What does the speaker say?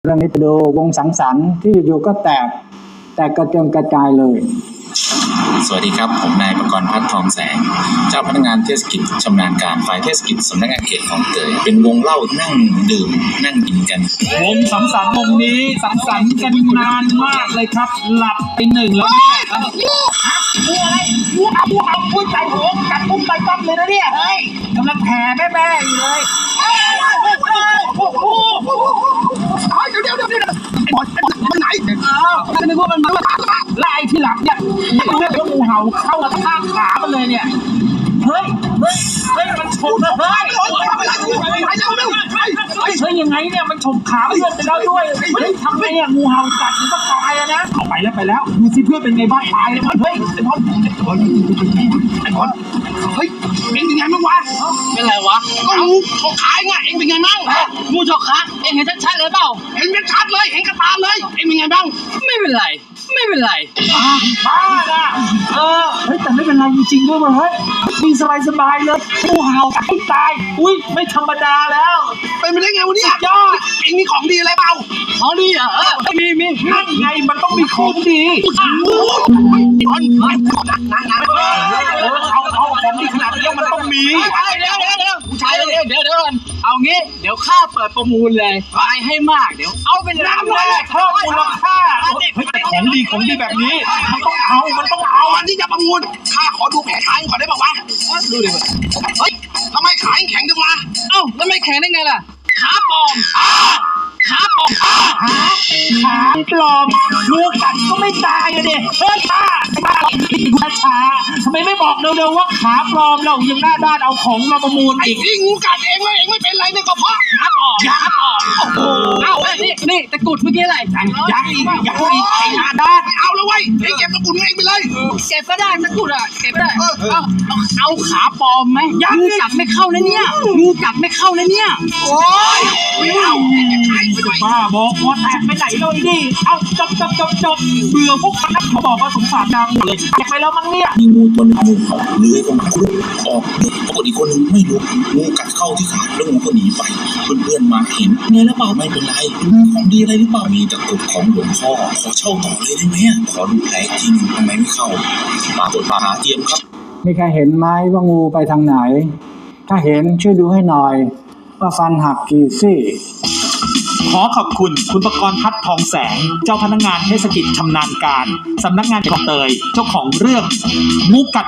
เรื่องนี้ไปดูวงสังสรรค์ที่อยู่ๆก็แตกกระเจิงกระจายเลยสวัสดีครับผมนายประกรณ์พัฒน์ทองแสงเจ้าพนักงานเทศกิจชำนาญการฝ่ายเทศกิจสำนักงานเขตคลองเตยเป็นวงเล่านั่งดื่มนั่งกินกันวงสังสรรค์วงนี้สังสรรค์กันนานมากเลยครับหลับไปหนึ่งแล้วงูอะไรงูเอาพูดใจโหงกัดปุ้มไปปั๊บเลยนะเนี่ยเฮ้ยกำลังแผ่แม่อยู่เลยเดี๋ยวบอดมันไหนก็นึกว่ามันมาไล่ที่หลังเนี่ยนี่เรื่องงูเห่าเข้ามาข้างขามันเลยเนี่ยเฮ้ยมันฉกเลยเฮ้ยยังไงเนี่ยมันฉกขาเพื่อนไปแล้วด้วยเฮ้ยทำไงเนี่ยงูเห่ากัดมันต้องตายนะเอาไปแล้วดูสิเพื่อนเป็นไงบ้างตายเลยมันเฮ้ยไอ้บอลเฮ้ยเอ็งเป็นไงบ้างวะเป็นไรวะก็งูฉกขาไงเอ็งเป็นไงบ้างงูฉกขาเอ็งเห็นชัดเลยเปล่าเห็นเป็นชัดเลยเห็นกระตาเลยเอ็งเป็นไงบ้างไม่เป็นไรบ้าน่ะเฮ้ยแต่ไม่เป็นไรจริงๆด้วยเฮ้ยมีสบายเลยงูเห่ากัดตายอุ้ยไม่ธรรมดาแล้วเป็นไปได้ไงวะเนี่ยยอดเอ็งมีของดีอะไรเปล่าของดีอ่ะมีนั่นไงมันต้องมีของดีบอลเอาของดีขนาดนี้มันต้องมีเดี๋ยวผู้ชายเดี๋ยวเอางี้เดี๋ยวข้าเปิดประมูลเลยขายให้มากเดี๋ยวเอาเป็นล้านเลยเพิ่มมูลค่าเฮ้ยแต่ของดีแบบนี้มันต้องเอาอันที่จะประมูลข้าขอดูแผงขายก่อนได้ป่าววะดูดิเฮ้ยทำไมขายแข็งจังวะเอ้าแล้วไม่แข็งได้ไงล่ะขาปลอมขาปลอมงูกัดก็ไม่ตายอะเด็กเฮ้ยป้าช้าทำไมไม่บอกเร็วๆว่าขาปลอมเรายังหน้าด้านเอาของมาประมูลอีกนี่งูกัดเองเลยเองไม่เป็นไรเนี่ยก็เพราะขาปลอมโอ้โหเอานี่ตะกุดเมื่อกี้อะไรยังอีกไอ้หน้าด้านไม่เอาแล้วเว้ยไอ้เก็บตะกุดเองไปเลยเก็บก็ได้ตะกุดอะเก็บได้เอาขาปลอมไหมงูกัดไม่เข้านะเนี่ยโอ้ยไม่เอาบ้าบอกว่าแตกไปไหนเลยดิเอาจบเบื่อพวกมันนะเขาบอกว่าสงสารนางเลยแตกไปแล้วมั้งเนี่ยมีงูตัวนึงงูเห่าเลื้อยเข้ามาลุกออกปรากฏอีกคนนึงไม่ลุกงูกัดเข้าที่ขาแล้วงูก็หนีไปเพื่อนๆมาเห็นไงแล้วเปล่าไม่เป็นไรของดีอะไรหรือเปล่ามีตะกรุดของหลวงพ่อขอเช่าต่อเลยได้ไหมขอดูแผลอีกทีนึงทำไมไม่เข้ามาตรวจมาหาเทียมครับมีใครเห็นไหมว่างูไปทางไหนถ้าเห็นช่วยดูให้หน่อยว่าฟันหักกี่ซี่ขอขอบคุณประกรณ์พัฒน์ทองแสงเจ้าพนักงานเทศกิจชำนาญการสำนักงานคลองเตยเจ้าของเรื่องงูกัด